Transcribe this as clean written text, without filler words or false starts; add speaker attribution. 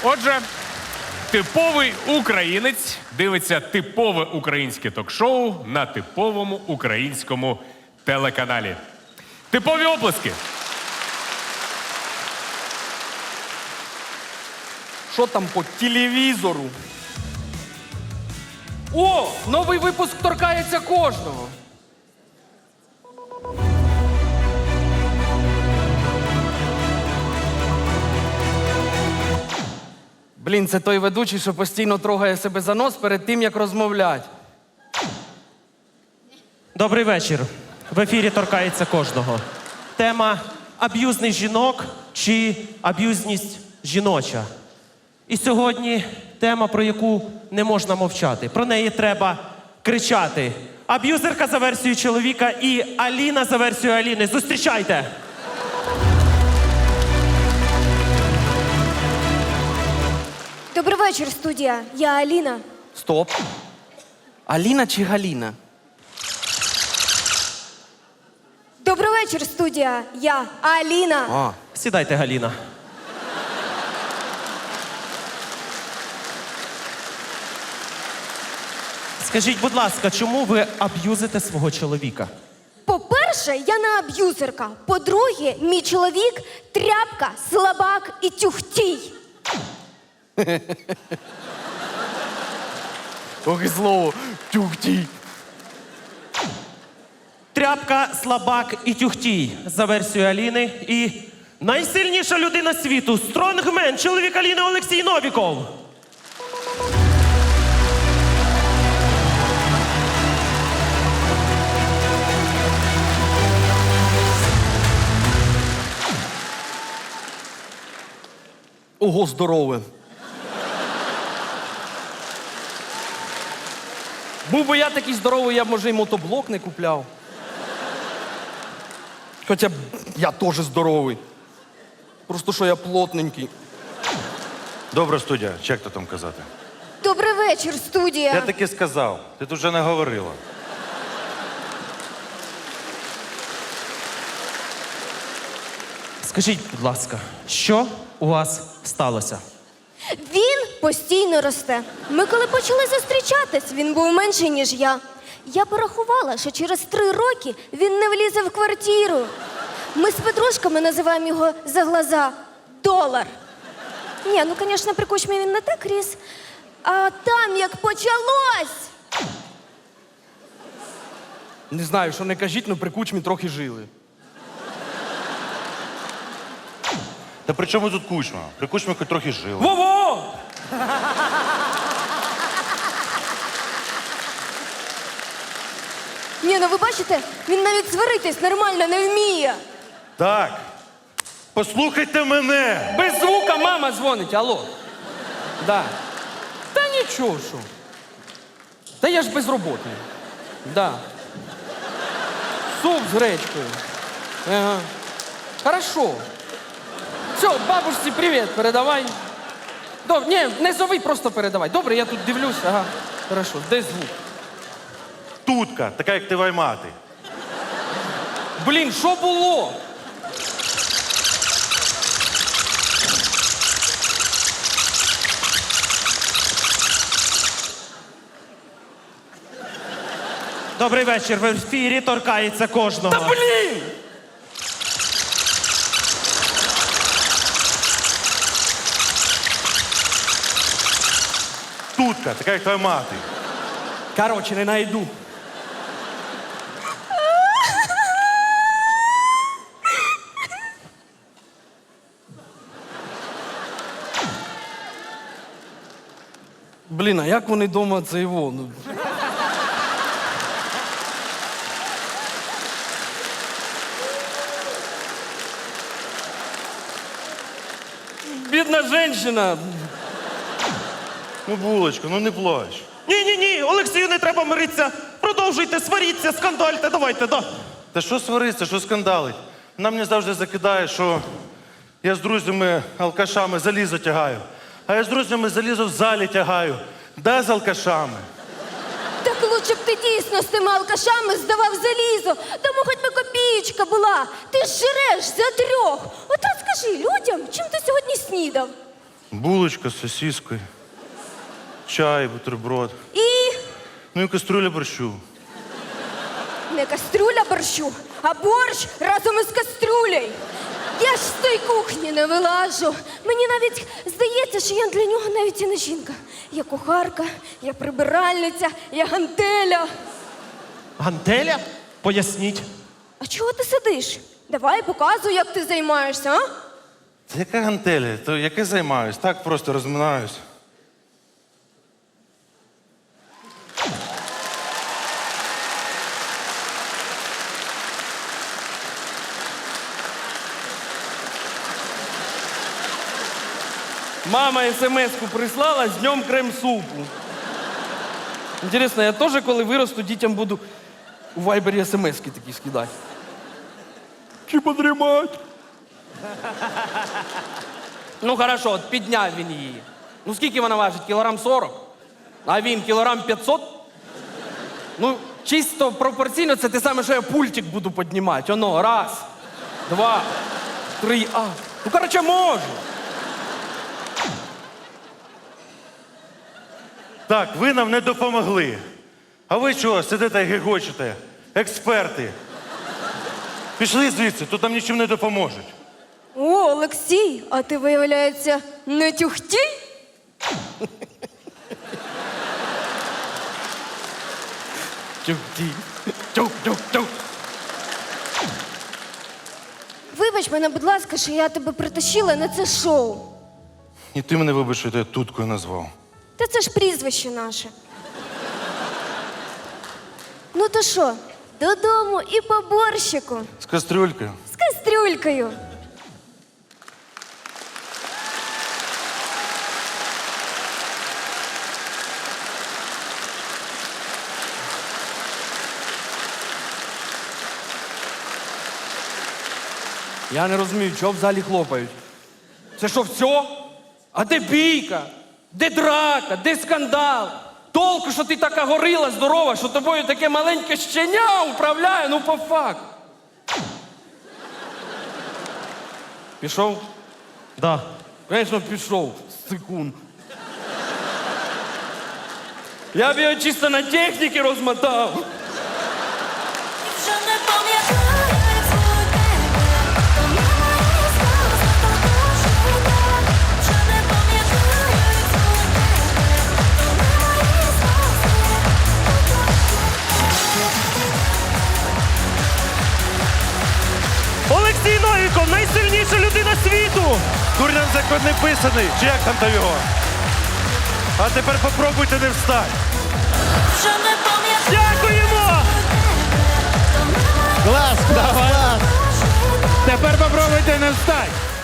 Speaker 1: Отже, типовий українець дивиться типове українське ток-шоу на типовому українському телеканалі. Типові оплески.
Speaker 2: Що там по телевізору? О, новий випуск торкається кожного. Блін, це той ведучий, що постійно трогає себе за нос перед тим, як розмовляти.
Speaker 3: Добрий вечір. В ефірі торкається кожного. Тема аб'юзний жінок чи аб'юзність жіноча. І сьогодні тема, про яку не можна мовчати. Про неї треба кричати. Аб'юзерка за версією чоловіка і Аліна за версією Аліни. Зустрічайте!
Speaker 4: Добрий вечір, студія. Я Аліна.
Speaker 2: Стоп. Аліна чи Галіна?
Speaker 4: Добрий вечір, студія. Я Аліна.
Speaker 2: А,
Speaker 3: Сідайте, Галіна. Скажіть, будь ласка, чому ви аб'юзите свого чоловіка?
Speaker 4: По-перше, я не аб'юзерка. По-друге, мій чоловік – тряпка, слабак і тюхтій.
Speaker 2: ох і слово. Тюхтій.
Speaker 3: Тряпка, слабак і тюхтій за версією Аліни. І найсильніша людина світу – стронгмен, чоловік Аліни Олексій Новіков.
Speaker 2: Ого, здорове. Був би я такий здоровий, я б, може, і мотоблок не купляв. Хоча б я теж здоровий. Просто що я плотненький.
Speaker 5: Добра студія, чи як то там казати?
Speaker 4: Добрий вечір, студія.
Speaker 5: Я таки сказав, ти тут вже не говорила.
Speaker 3: Скажіть, будь ласка, що у вас сталося?
Speaker 4: Він постійно росте. Ми коли почали зустрічатись, він був менший, ніж я. Я порахувала, що через 3 роки він не влізе в квартиру. Ми з подружками називаємо його за глаза «долар». Ні, ну, звісно, при кучмі він не так ріс. А там, як почалось!
Speaker 2: Не знаю, що не кажіть, але при кучмі трохи жили.
Speaker 5: Та при чому тут кучма? При кучмі хоч трохи жили.
Speaker 2: Во-во!
Speaker 4: Ні, ну ви бачите, він навіть сваритись нормально не вміє.
Speaker 5: Так, послухайте мене.
Speaker 2: Без звука мама дзвонить, алло. Да. Та нічого, що. Та я ж безробітний. Да. Суп з гречкою. Ага. Хорошо. Все, бабушці привіт, передавай. Ні, не зови, просто передавай. Добре, я тут дивлюсь, ага. Хорошо, де звук?
Speaker 5: Тутка, така як ти мати.
Speaker 2: Блін, що було?
Speaker 3: Добрий вечір. В ефірі торкається кожного.
Speaker 2: Та блін!
Speaker 5: Тутка, така як твоя мати.
Speaker 2: Короче, не найду. Блін, а як вони вдома це його? Ну... Бідна жінка.
Speaker 5: Ну, булочка, ну не плач.
Speaker 3: Ні, Олексію, не треба миритися. Продовжуйте, сваріться, скандальте, давайте, да.
Speaker 5: Та що свариться, що скандалить? Вона мені завжди закидає, що я з друзями алкашами залізо тягаю. А я з друзями залізо в залі тягаю. Да, з алкашами.
Speaker 4: Так лучше б ти дійсно з тими алкашами здавав залізо. Тому хоч би копієчка була. Ти ж жреш за 3. От розкажи людям, чим ти сьогодні снідав.
Speaker 5: Булочка з сосіскою, чай, бутерброд.
Speaker 4: І
Speaker 5: Ну і каструля борщу.
Speaker 4: не кастрюля борщу, а борщ разом із кастрюлею. Я ж з тої кухні не вилажу. Мені навіть здається, що я для нього навіть і не жінка. Я кухарка, я прибиральниця, я гантеля.
Speaker 3: Гантеля? Поясніть.
Speaker 4: А чого ти сидиш? Давай показуй, як ти займаєшся, а?
Speaker 5: Та яка гантеля? То яке займаюсь? Так просто розминаюсь.
Speaker 2: Мама смс-ку прислала з днем крем-супу. Інтересно, я теж, коли виросту, дітям буду у вайбері смс-ки такі скидати. Чи подрімать? Ну, хорошо, от підняв він її. Ну, скільки вона важить? Кілограм 40? А він кілограм 500? Ну, чисто пропорційно це те саме, що я пультик буду піднімати. Оно, раз, два, три, Ну, короче, можу.
Speaker 5: Так, ви нам не допомогли. А ви чого сидите і гегочете? Експерти. Пішли звідси, тут нам нічим не допоможуть.
Speaker 4: О, Олексій, а ти, виявляється, не тюхтій?
Speaker 2: Тюк-ті. Тюк-тюк-тюк.
Speaker 4: Вибач мене, будь ласка, що я тебе притащила на це шоу.
Speaker 5: І ти мене, вибач, що я тебе туткою назвав.
Speaker 4: Та це ж прізвище наше. Ну то що, додому і по борщику.
Speaker 5: З кастрюлькою.
Speaker 4: З кастрюлькою.
Speaker 2: Я не розумію, чого в залі хлопають. Це що, все? А де бійка? Де драка? Де скандал? Толку, що ти така горила здорова, що тобою таке маленьке щеня управляє, ну по факту. Пішов?
Speaker 3: Да.
Speaker 2: Звісно, пішов. Секунд. Я б його чисто на техніки розмотав.
Speaker 6: Вже не пам'ятаю, як звуть тебе, то мої сльози покажу так. Вже не пам'ятаю, як звуть тебе, то мої сльози.
Speaker 3: Олексій Новіков, найсильніша людина світу!
Speaker 5: Дурням закон не писаний, чи як там його? А тепер попробуйте не встати.
Speaker 6: Вже не пам'ятаю,
Speaker 3: Дякуємо!
Speaker 6: то мої
Speaker 7: Клас, клас, клас.
Speaker 6: сльози.
Speaker 7: Тепер попробуйте не встать.